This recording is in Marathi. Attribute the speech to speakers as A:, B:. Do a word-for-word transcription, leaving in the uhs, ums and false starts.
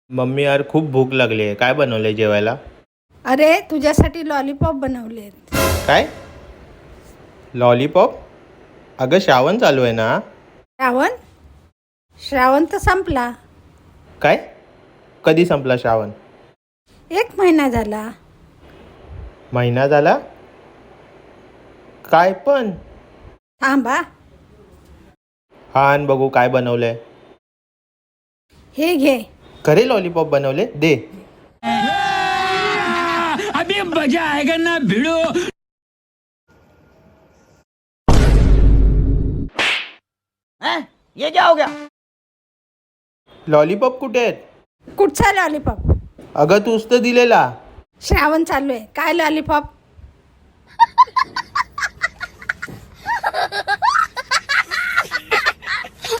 A: मम्मी यार खूप भूक लागली आहे. काय बनवलंय जेवायला?
B: अरे तुझ्यासाठी लॉलीपॉप बनवलेत.
A: काय? लॉलीपॉप? अगं श्रावण चालू आहे ना.
B: श्रावण श्रावण तर संपला.
A: काय? कधी संपला श्रावण?
B: एक महिना झाला.
A: महिना झाला? काय पण?
B: थांबा,
A: हा आण बघू काय बनवलंय.
B: हे घे.
A: खरे लॉलीपॉप बनवले? दे.
C: अभी मजा आएगा ना भिड़ो.
D: ये क्या हो गया?
A: लॉलीपॉप कुठे आहेत?
B: कुठचा लॉलीपॉप?
A: अगं तूच तर दिलेला.
B: श्रावण चालू आहे, काय लॉलीपॉप?